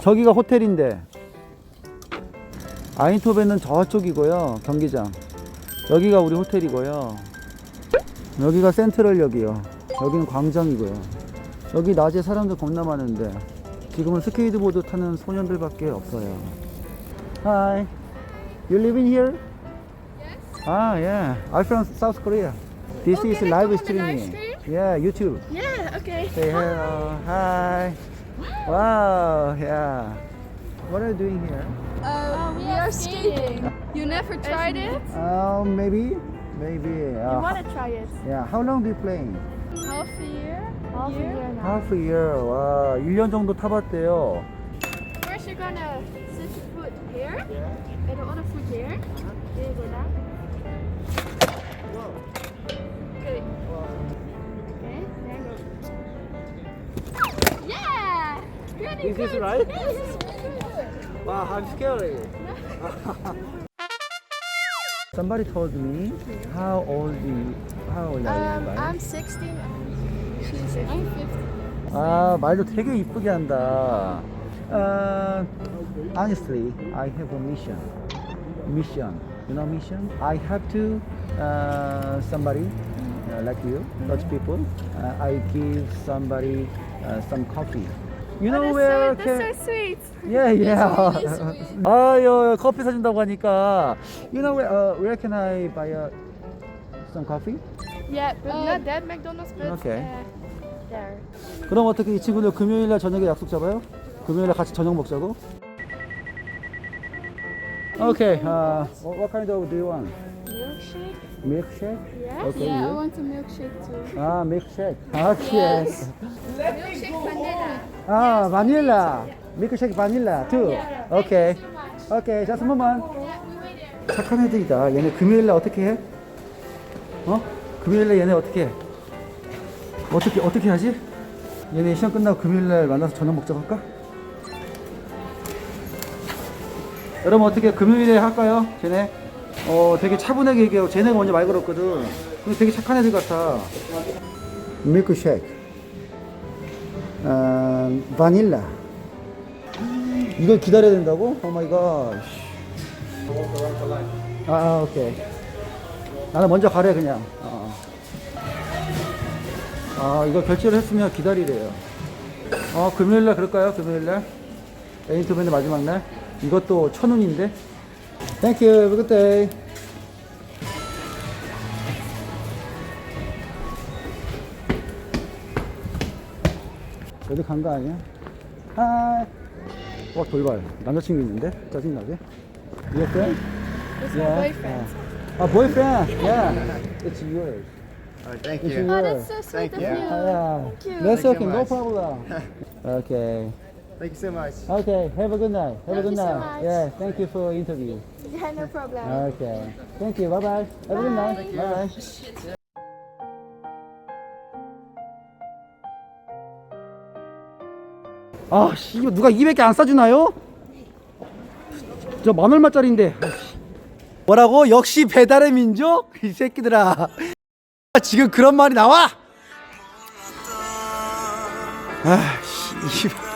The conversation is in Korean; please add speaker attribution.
Speaker 1: 저기가 호텔인데 아인토벤은 저쪽이고요. 경기장. 여기가 우리 호텔이고요. 여기가 센트럴역이요. 여기는 광장이고요. 여기 낮에 사람들 겁나 많은데 지금은 스케이트보드 타는 소년들밖에 없어요. Hi, you living here?
Speaker 2: Yes.
Speaker 1: Ah, yeah. I'm from South Korea. This
Speaker 2: Oh,
Speaker 1: is
Speaker 2: can I
Speaker 1: live
Speaker 2: come on the
Speaker 1: streaming.
Speaker 2: live stream?
Speaker 1: Yeah, YouTube.
Speaker 2: Yeah, okay.
Speaker 1: Say hello. Hi. Wow, yeah. What are you doing here?
Speaker 2: We are skating. You never tried it?
Speaker 1: Maybe.
Speaker 2: You want to try it?
Speaker 1: Yeah. How long do you play?
Speaker 2: Half a year? Half a year now.
Speaker 1: Half a year. 와, 1년 정도 타봤대요.
Speaker 2: First you're gonna sit your foot here. Yeah. And the other foot here. Then you go down. Okay. Okay, then go. Yeah! Pretty
Speaker 1: Is this
Speaker 2: good.
Speaker 1: right?
Speaker 2: Yeah, this is pretty good.
Speaker 1: Wow, I'm scary. Somebody told me how old are you? Right?
Speaker 2: I'm 16. She's 15. I'm 15.
Speaker 1: 아, 말도 되게 이쁘게 한다. Honestly, I have a mission. You know mission? I have to somebody like you, such people. I give somebody some coffee. You know where?
Speaker 2: That's so sweet.
Speaker 1: Yeah, yeah.
Speaker 2: really sweet.
Speaker 1: 아유, 커피 사준다고 하니까. You know where can I buy some coffee?
Speaker 2: Yeah, but not that McDonald's, but
Speaker 1: Okay.
Speaker 2: there.
Speaker 1: 그럼 어떻게 이 친구들 금요일날 저녁에 약속 잡아요? 금요일날 같이 저녁 먹자고? Okay, what kind of do you want?
Speaker 2: Milkshake?
Speaker 1: Milkshake?
Speaker 2: Yes.
Speaker 1: Okay,
Speaker 2: Yeah, I
Speaker 1: you?
Speaker 2: want a milkshake too.
Speaker 1: 아, milkshake. Okay.
Speaker 2: Yes. Milkshake vanilla.
Speaker 1: 아, 바닐라. 밀크쉐이크 바닐라 too. Okay.
Speaker 2: Thank you so much.
Speaker 1: Okay, just a moment.
Speaker 2: Yeah, we wait there.
Speaker 1: 착한 애들이다. 얘네 금요일날 어떻게 해? 어? 금요일날 얘네 어떻게 해? 어떻게 하지? 얘네 시험 끝나고 금요일날 만나서 저녁 먹자고 할까? 여러분 어떻게 금요일에 할까요? 쟤네 되게 차분하게 얘기하고 쟤네가 먼저 말 걸었거든. 근데 되게 착한 애들 같아. 밀크쉐이크 바닐라. 이걸 기다려야 된다고? 오 마이 갓. 오케이. 나는 먼저 가래 그냥. 이거 결제를 했으면 기다리래요. 금요일날 그럴까요? 금요일날 에인토벤의 마지막 날. 이것도 1,000원인데. Thank you. Have a good day. 어디 간 거 아니야? 하이. 돌발. 남자친구 있는데? 짜증나게. Your friend?
Speaker 2: It's my boyfriend.
Speaker 1: Boyfriend. Yeah. It's yours.
Speaker 3: Thank
Speaker 1: It's
Speaker 3: you.
Speaker 2: Oh,
Speaker 1: yours.
Speaker 2: that's so sweet of
Speaker 3: you.
Speaker 2: you.
Speaker 1: Yeah.
Speaker 2: Thank you.
Speaker 1: That's
Speaker 3: Thank you
Speaker 1: okay. No
Speaker 3: much.
Speaker 1: problem. Okay.
Speaker 3: Thank you so much.
Speaker 1: Okay. Have a good night. Have a
Speaker 2: Thank
Speaker 1: good
Speaker 2: you so
Speaker 1: night.
Speaker 2: much.
Speaker 1: Yeah. Thank you for interview.
Speaker 2: Yeah, no problem.
Speaker 1: Okay. Thank you. Bye bye. Have a good night.
Speaker 2: Bye.
Speaker 1: Bye bye. 씨, 이거 누가 200개 안 싸주나요? 저 10,000원짜리인데. 뭐라고? 역시 배달의 민족? 이 새끼들아. 지금 그런 말이 나와? 씨.